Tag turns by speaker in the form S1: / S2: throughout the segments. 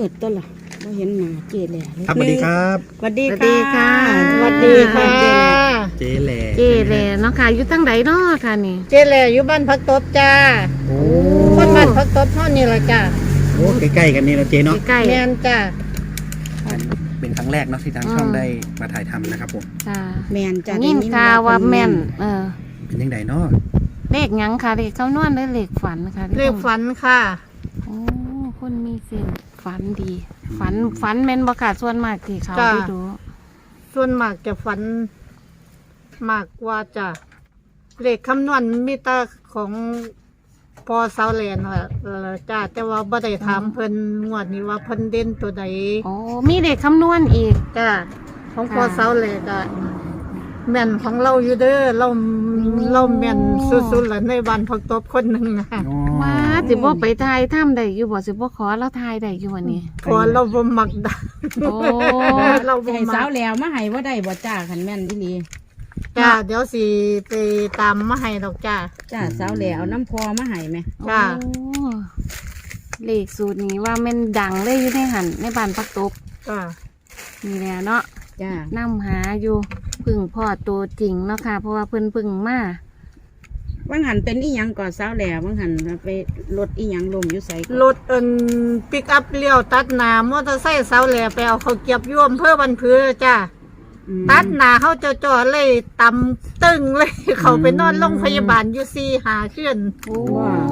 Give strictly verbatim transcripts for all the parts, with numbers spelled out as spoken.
S1: ดต้นล่ะไม่เห็นหน้าเจแหล่เลย
S2: ครับสวัสดีครับ
S1: สวัสดี
S3: สวัสดีค่ะ
S1: สวัสดีค่ะ
S2: เจ๊แหล่
S3: เจแหล่เนาะค่ะอยู่ตั้งใดเนาะค่ะนี่
S1: เจแหล่อยู่บ้านพักตบจ้า
S2: โอ้
S1: คนบ้านพักตบเท่านี้ละจ้า
S2: โหใกล้ๆกันนี่เราเจ๊เนาะ
S3: ใกล้
S1: แม่นจ้า
S2: เป็นครั้งแรกเนาะที่ทางช่องได้มาถ่ายทำนะครับผม
S3: ๆค่ะ
S1: แม่นจ้า
S3: ยินข่าวว่าแม่นเออ
S2: เป็นยังไงเนาะ
S3: เลขหยังค่ะเลขคำนวณหรือเลขฝันค่ะ
S1: เรียกฝันค่ะ
S3: โอ้คนมีเส้นฝันดี ฝันฝันแม่นบ่ค่ะส่วนมากที่เขา
S1: จ้ะ
S3: ได้ดู
S1: ส่วนมากจะฝันมากกว่าจ้าเลขคำนวณมีแต่ของพอเสาแลนว่าเออจ้าแต่ว่าบ่ได้ถามเพิ่นงวดนี้ว่าเพิ่นเด่นตัวใด
S3: โอ้มีเลขคำนวณอีก
S1: จ้าของพอ
S3: ค่ะ
S1: เสาแลนก็แม่นของเราอยู่เด้อเราเราแม่นสุดๆแล้วในบ้านพักตบคนหนึงนะ
S2: โอ้
S3: ว่าสิบ่ไปทายถ้ำได้อยู่บ่สิบ่ขอเราทายได้อยู่วันนี้
S1: พอเราบ่มักดัง
S3: โอ้
S1: เราบ่
S4: ให้
S1: มั
S4: สาก วแล้วมาให้ว่าได้บ่จ้าขันแม่นที่นี่
S1: จ้าเดี๋ยวสิไปตามมาให้ดอกจ้า
S4: จ้าสาวแล้วเอาน้ำพอมาให้ไหม
S1: จ้ะ
S3: โอ้เลขสูตรนี้ว่าแม่นดังเลยอยู่ในหันในบ้านปักตบ
S1: จ้า
S3: นี่แหละเนาะ
S4: จ้า
S3: นำหาอยู่พึ่งพ่อตัวจริงเนาะค่ะ เพราะว่าเพิ่นพึ่งมา
S4: ว่างหันเป็นอีหยังก่อสาวแล้วว่างหันไปรถอีหยังลมอยู่ใส่
S1: รถเอินปิกอัพเลี้ยวตัดหน้ามอเตอร์ไซค์เสาแหล่ไปเอาเขาวเก็บย่วมเพื่อบันเพือจ้าตัดหน้าเขาจะจอดเลยตำตึงเลย เขาไปนอนโรงพยาบาลอยู่สี่หาขึ้น
S3: โอ้
S4: ว้าว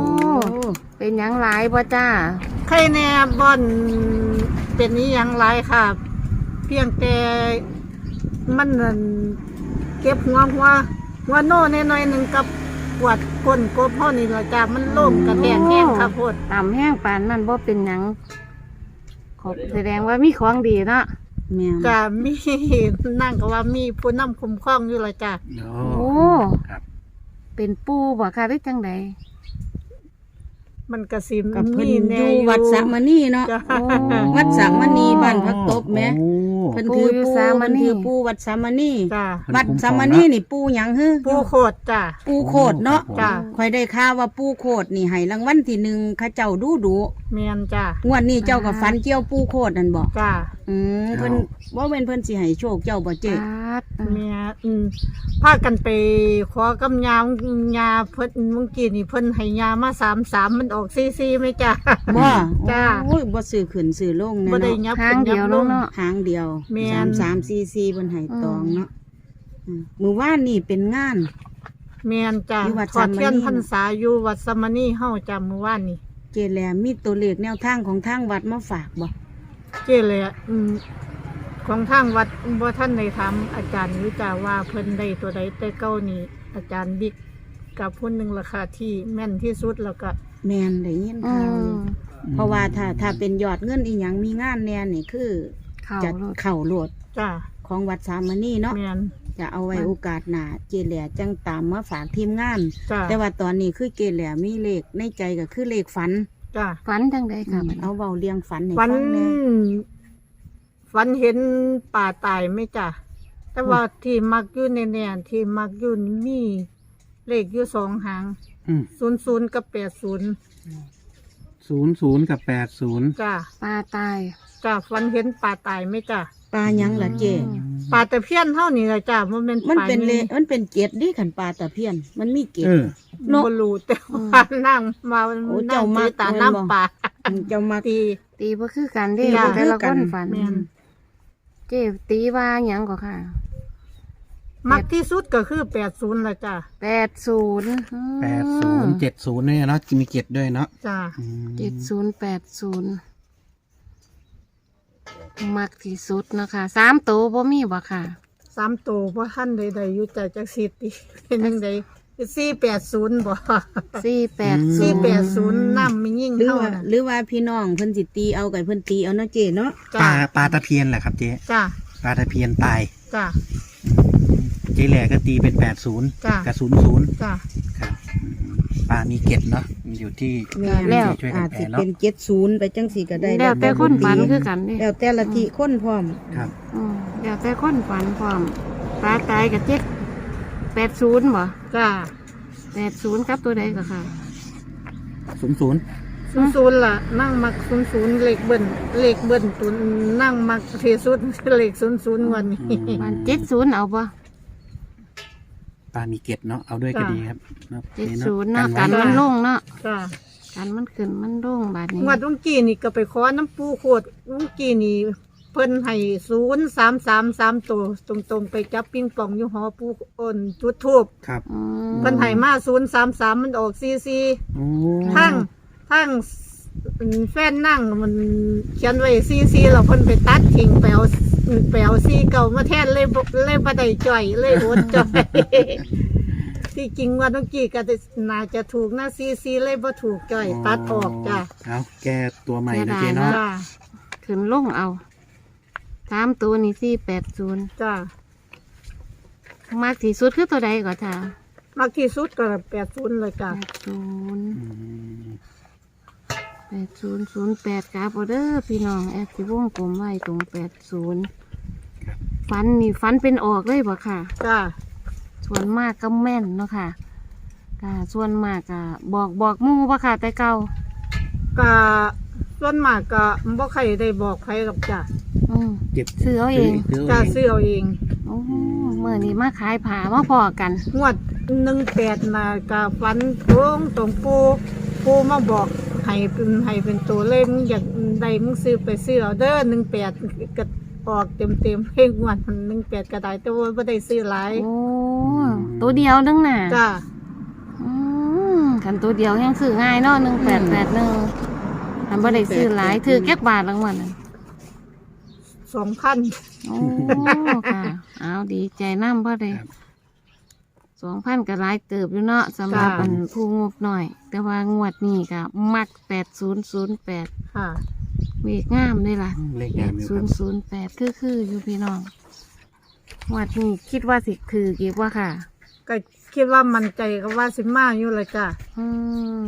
S3: เป็นหยังหลายบ่จ้า
S1: ใครแน่บอนเป็นนี้ยังไรค่ะ เพียงแต่มันนั่นเก็บหัวหัวหัวโน่นน้อยๆหนึ่งกับปวดก้นกบพ่อนี่ละจ้ามันโล่งกระแทกแห้งค่ะโพด
S3: ต่ำแห้งปานนั่นบ่เป็นหยังขอบแสดงว่ามีของดีเนาะ
S4: แม่น
S1: จ้ามี นั่งก็ว่ามีผู้นำคุ้มครองอยู่ละจ้า
S2: โอ้
S3: โอ้
S2: ครับ
S3: เป็นปูบ่ค่ะหรือจังได
S1: มันกระสิม
S4: กับเพิ่น
S1: มี
S4: อ
S1: แน่
S4: ยู่
S1: อยู่
S4: วัดสามณีเนาะ
S1: จ้า
S4: วัดสามณีบ้านพักตบแหม
S2: โอ้
S4: เพิ่นถือปูเพิ่นถือปูวัดสามณี
S1: จ้า
S4: วัดสามณีนี่ปูหยังฮึ
S1: ผู้โคตรจ้า
S4: ปูโคดเนาะ
S1: จ้า
S4: คอยได้ข่าวว่าปูโคดนี่ให้รางวัลที่หนึ่งเข้าเจ้าดูดู
S1: เมียนจ้าง
S4: วดนี้เจ้ากับฟันเกี่ยวปูโคดนั่นบ่
S1: จ้า
S4: อืมเพิ่นว่าเป็นเพิ่นสิให้โชคเจ้าบ่เจ๊
S3: ปาด
S1: เมียอืมพากันไปขอกำยายาเพิ่นเมื่อกี้นี่เพิ่นให้ยามาสามสามมันออกซีซีไหมจ้า
S4: บ่
S1: จ้า
S4: โอ้ยบ่ซื้อขึ้นซื้อลงแน่
S1: บ่ได้
S4: เนาะ
S1: ยับ
S3: ทางเดียว
S1: ยับล
S3: เนาะ
S1: ง
S3: เนาะ
S4: ทางเดียว
S1: แม่น
S4: สามสามสี่สี่เพิ่นให้ตองเนาะอืมมื้อวานนี่เป็นงาน
S1: เมียนจ้า
S4: อยู่วัด
S1: ขอเทียน
S4: สามมณี
S1: พรรษาอยู่วัดสามณีเฮาจ้าเมื่อวานนี่
S4: เจแลมีตัวเลขแนวทางของทางวัดมาฝากบ่
S1: เจ้เลยอะอืมของทางวัดบ่ท่านได้ถามอาจารย์หรือจ้าว่าเพิ่นได้ตัวใดแต่เก้านี่อาจารย์บิ๊กกับผู้หนึ่งราคาที่แม่นที่สุดแล้วก็
S4: แม่นได้ยิน
S3: อื
S4: ข่าวอ
S3: ม
S4: ยู่เพราะว่าถ้าถ้าเป็นยอดเงินอีหยังมีงานแน่นี่คือ
S3: เข้า
S4: จะ
S3: โลด
S4: เข้าโลด
S1: จ้า
S4: ของวัดสามณีเนาะ
S1: แม่น
S4: จะเอาไว้โอกาสหน้าเจแหลจังตามมาฝากทีมงาน
S1: จ้า
S4: แต่ว่าตอนนี้คือเจแหลมีเลขในใจก็คือเลขฝัน
S1: จ้า
S3: ฝันจังไดค่ะบัดนี้
S4: เอาเบาเรียงฝันให้
S1: ฝั
S4: ฟั
S1: น
S4: งแหน่
S1: ฝันเห็นป่าตายไหมจ้ะแต่ว่าที่มักอยู่ในแนนที่มักอยู่นี่มีเลขอยู่สองหาง
S2: อืม
S1: ศูนย์ศูนย์กับแปดศูนย์
S2: ศูนย์ศูนย์กับแปดศูนย์
S1: จ้ะ
S3: ปลาตาย
S1: จ้ะฝันเห็นป่าตายไหมจ้ะ
S4: ปลาหยังล่ะเจ
S1: ป่าตะเพียนเท่านี้แหละจ้ะมันเป็น
S4: มัน
S1: ป่า
S4: เป็นเล
S1: นี่
S4: มันเป็นเกล็ดดิขันปลาตะเพียน มันมีเกล็ด
S2: เออ
S4: เนอะ
S1: บรูแต่ว่านั่งมา
S4: โอ้
S1: นั่
S4: เจ้าง มั
S1: ตี
S4: ก
S1: ตา
S4: แม่นบ่
S1: น้ำป่า
S4: เจ้ามา
S1: ตี
S3: ตีบ่คือกันเด้
S1: จ้ะ
S3: แต่ละ
S4: คือกั
S3: คน นฝัน
S1: แม่น
S3: เจ๊ตีว่าหยังก็ค่ะ
S1: มักที่สุดก็คือแปดศูนย์ละจ้ะ
S3: แปดศูนย์
S2: แปดศูนย์เจ็ดศูนย์เนี่ยเนาะมีเจ็ดด้วยเนาะ
S1: จ้ะ
S2: อืม
S3: เจ็ดศูนย์แปดศูนย์มักที่สุดเนาะคะสามตัวบ่มีบ่ค่ะ
S1: สามตัวเพราะท่านใดๆอยู่ใจจักสิตีเป็นยังไงสี่แปดศูนย์บ่
S3: สี่แปดศู
S1: สี่
S3: นย์
S1: แปดศูนย์น้ำไม่ยิ่ง
S4: หรือ
S1: เท่า
S4: ว่า
S1: น่ะ
S4: หรือว่าพี่น้องเพิ่นสิตีเอาไก่เพิ่นตีเอาเนาะเจเนาะ
S2: ปลา
S1: จ้า
S2: ปลาตะเพียนแหละครับเจ๊
S1: จ้า
S2: ปลาตะเพียนตาย
S1: จ้า
S2: เจ๊แหล่ก็ตีเป็นแปดศูนย์
S1: จ้ะ
S2: กับศูนย์ศูนย์
S1: จ้า
S2: ครับอืมปลามีเกล็ดเนาะมันอยู่ที่
S4: แม่
S3: แล้ว
S2: ช่วยกัน
S4: อาจ
S2: แปล
S4: สิ
S2: เนาะ
S4: เป็นเจ็ดศูนย์ไปจังสี่ก็ได้
S3: แล้วแต่คนฝันคือกันนี่
S4: แล้วแต่ละทีคนพร้อม
S2: ครับ
S3: อืมแล้วแต่คนฝันพร้อมปลาตายกับเจ็ดแปดศูนย์บ่
S1: จ้า
S3: แปดศูนย์ครับตัวใดก็ค่ะ
S2: ศูนย์ศูนย์
S1: ศศูนย์ศูนย์ล่ะนั่งมักศูนย์ศูนย์เลขเบิ้ลเลขเบิ้ลตุนนั่งมักที่สุดเลขศูนย์ศูนย์วันนี้
S3: บ้านเจ็ดศูนย์เอาบ่
S2: ปลามีเกล็ดเนาะเอาด้วยก็ดีครับเนาะ
S3: เจ็ด
S2: นี่
S3: ศูนย์เนาะ
S2: ไว้
S3: กันมันลงเนาะ
S1: จ้า
S3: กันมันขึ้นมันลงบาดนี้
S1: งวดลุงกี้นี่ก็ไปขอน้ำปูโคตรลุงกี้นี่เพิ่นให้ศูนย์สามสามสามตัวตรงๆไปจับปิงปองอยู่หอปูอ่นจุดทูบ
S2: ครับ
S3: อืม
S1: เพิ่นให้มาศูนย์สามสามมันออกซีซี
S2: โอ้
S1: ทั้งทั้งแฟนนั่งมันเขียนไว้ซีซีเราเพิ่นไปตัดทิ้งไปเอาไปเอาซีเก่ามาแทนเลยบ่เลยบ่ได้จ่อยเลยอดจ่อย ที่จริงว่าเมื่อกี้ก็น่าจะถูกนะซีซีเลยบ่ถูกจ่อยตัดออกจ้ะ
S2: เอาแก้ตัวใหม่นะเจ๊เนาะ
S1: จ้า
S3: ขึ้นลงเอาสามตัวนี่สี่แปดศูนย์
S1: จ้าม
S3: ากที่สุดคือตัวใดก่อนจ้าม
S1: ากที่สุดก็แปดศูนย์เลยจ้ะ
S3: แปดศูนย์
S2: อืม
S3: แปดศูนย์ศูนย์แปดครับออเดอร์พี่น้องแอดที่วงกลมไว้ตรงแปดศูนย์ฟันนี่ฟันเป็นออกเลยบ่ค่ะ
S1: จ้า
S3: ส่วนมากก็แม่นเนาะค่ะก็ส่วนมากก็บอกบอกหมู่บ่ค่ะแต่เก่า
S1: ก็ส่วนมากก็บ่ใครได้บอกใครหรอกจ้ะ
S3: อืม
S2: เจ็บ
S3: ซื้อเอาเอง
S2: ซื้อ
S1: จ้า
S2: เอาเอง
S1: ซื้อเอาเอง
S3: โอ้เมื่อนี้มาขายผ้ามาพอกัน
S1: งวดหนึ่งแปดน่ะก็ฝันตรงตรงปูปูมาบอกให้เป็นให้เป็นตัวเลขมึงอยากได้มึงซื้อไปซื้อเอาเด้อหนึ่งแปดก็ออกเต็มเต็มๆเพลงงวดมันหนึ่งแปดก็ได้แต่ว่าไม่ได้ซื้อหลาย
S3: โอ้ตัวเดียวนึงน่ะ
S1: จ้า
S3: อืมคันตัวเดียวยังซื้อง่ายเนาะหนึ่งแปดแปดหนึ่งทำบ่ได้ซื้อหลายถือแก๊กบาทรางวัลน่ะ
S1: สองพัน
S3: โอ้ค่ะเอาดีใจน้ำพ่อเลยสองพันก็หลายเติบอยู่เนาะสำหรับอันผู้งบหน่อย แต่ว่างวดนี้ก็มักแปดศูนย์ศูนย์แปด
S1: ค่ะ
S3: เวกงามเลยล่ะ
S2: เลข
S3: แป
S2: งาม
S3: ด
S2: อยู่
S3: ศู
S2: คน รับ
S3: ย์ศูนย์แปดคือคืออยู่พี่น้องงวดนี้คิดว่าสิคือกี่ว่าค่ะ
S1: ก็คิดว่ามันใจก็ว่าสิมาอยู่เลยจ้า
S3: อืม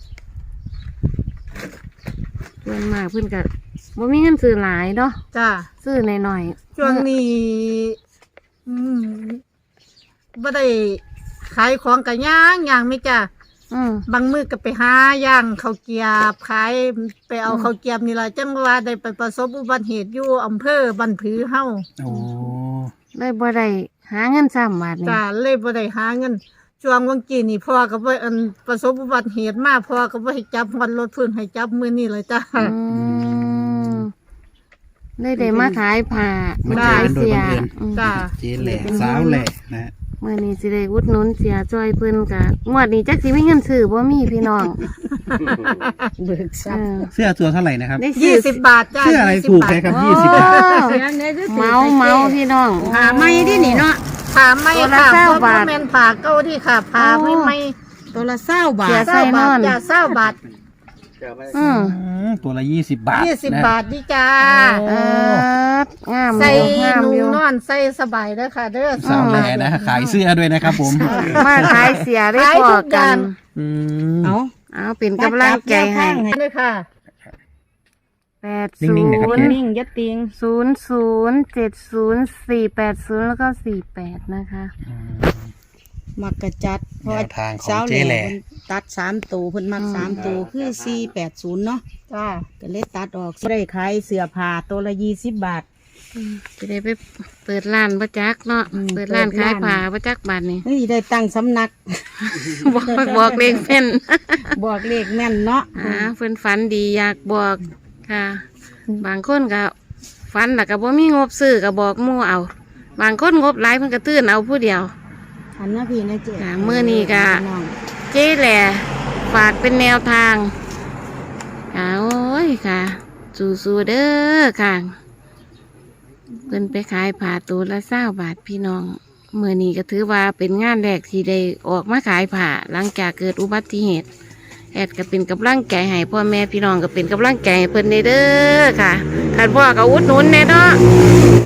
S3: เพื่อนมากเพื่อนก็บ่มีเงินซื้อหลายเนาะ
S1: จ้า
S3: ซื้อหน่อยๆ
S1: ช่วงนี้อืมบ่ได้ขายของกันย่างย่างไหม่จ้า
S3: อืม
S1: บางมือก็ไปหาย่างข้าวเกรียบขายไปเอา
S3: อืม
S1: ข้าวเกรียบนี่ล่ะจังว่าได้ไปประสบอุบัติเหตุอยู่อำเภอบันผือเฮา
S2: โอ้
S3: ได้บ่ได้หาเงินซ้ำบาทนี่
S1: จ้าเลยบ่ได้หาเงินช่วงวันกี้นี่พ่อก็บ่อันประสบอุบัติเหตุมาพ่อก็บ่ให้จับฮอดรถพื้นให้จับมื้อนี้เลยจ้า
S3: อืมได้ได้มาขายผ้า
S2: มา
S3: มา
S2: เจอ
S3: ขาย
S2: กันโดย
S3: เสีย
S2: บังเอิญ
S3: อืม
S1: จ้า
S2: เจ๊แหล่สาวแหล่นะฮะ
S3: เมื่อนี้สิได้อุดหนุนเสียจอยเพิ่นกะงวดนี้จักสิมีเงินซื้อบ่มีพี่น้อง
S4: เบิกทรั
S3: เอ
S4: พย์
S3: อ
S2: เสื้อตัวเท่าไหร่นะครับ
S3: ได้
S1: ยี่
S3: ซื้อ
S1: สิบบาทจ้า
S2: เสื้ออะไร
S1: ยี่สิบ
S2: ถูก
S1: บาท
S2: ไหมครับ
S3: โอ้
S2: ยี่สิบบาท
S4: เสียงได้ด้วยสิ
S3: เมาเมาพี่น้อง
S4: หาไม่ดินี่เนาะ
S1: ผ่าไม่
S3: ตัวละ
S1: ค่ะ
S3: เก้า
S1: เพราะ
S3: บาท
S1: ว่าแม่นผ่าเก้าที่ค่ะผ่าไม่ไม่
S4: ตัวละเศร้าบา
S3: เสีย
S4: ท
S3: ใส่
S1: เศร้าน บา
S3: อ
S1: ท
S3: น
S1: จ้าเศร้าบาท
S3: อืม
S2: อืมตัวละยี่สิบบาท
S1: ยี่สิบ
S2: นะ
S1: บาทนี่จ้า
S3: เอองาม
S1: ใส่
S3: อยู่งาม
S1: นุ่
S3: อง ยู่
S1: นอนใส่สบายเด้อค่ะเด้อ
S2: สาวแหล่นะขายเสื้อด้วยนะครับผม
S3: มาขายเสียได้
S1: ขาย
S3: พอ
S1: ทุกอ
S3: กั
S1: ย่าง
S3: น
S2: อืม
S4: เอา
S3: เอาเป็นกำลังใจให้
S1: เลยค่ะ
S3: แปด
S2: นิ่
S3: ศู
S2: งๆนะครับ
S3: นย์
S4: นิ่งยัดติง
S3: ศูนย์ศูนย์เจ็ดศูนย์สี่แปดศูนย์แล้วก็สี่แปดนะคะ
S4: มักกระจัดเพราะ
S2: แน
S4: ว่าว
S2: ทางของ
S4: เช้า
S2: เจ๊แหล่
S4: เพิ่นตัดสามตัวเพิ่นมักสามตัวคือสี่แปดศูนย์เนาะ
S1: จ้า
S4: ก็เลยตัดออกได้ขายเสื้อผ้าตัวละยี่สิบบาท
S3: อืมจะได้ไปเปิดร้านประจักษ์เนาะ
S4: อืม
S3: เปิดร้าน
S4: เปิด
S3: ขาย
S4: ร้าน
S3: ผ้าประจักษ์บาทนี่
S4: นี่ได้ตั้งสำนัก
S3: บอกบอกเลขเป็น
S4: บอกเลขแม่นเนาะ
S3: อ่าเพิ่นฝันดีอยากบอกค่ะ บางคนก็ฝันแต่ก็บ่มีงบซื้อก็บอกหมู่เอา บางคนงบหลายเพิ่นก็ตื่นเอาผู้เดียว
S4: อันนะพี่นะเจ๊
S3: ค่ะมื้อนี้ก็
S4: น้อง
S3: เจ๊แหล่ฝากเป็นแนวทางค่ะโอ้ยค่ะ สู้ๆเด้อค่ะเพิ่นไปขายผ้าตัวละเศร้าบาทพี่น้องเมื่อนี้ก็ถือว่าเป็นงานแรกที่ได้ออกมาขายผ้าหลังจากเกิดอุบัติเหตุแอดก็เป็นกำลังใจให้พ่อแม่พี่น้องก็เป็นกำลังใจให้เพิ่นเด้อค่ะขันพ่อก็อุดหนุนแน่เนาะ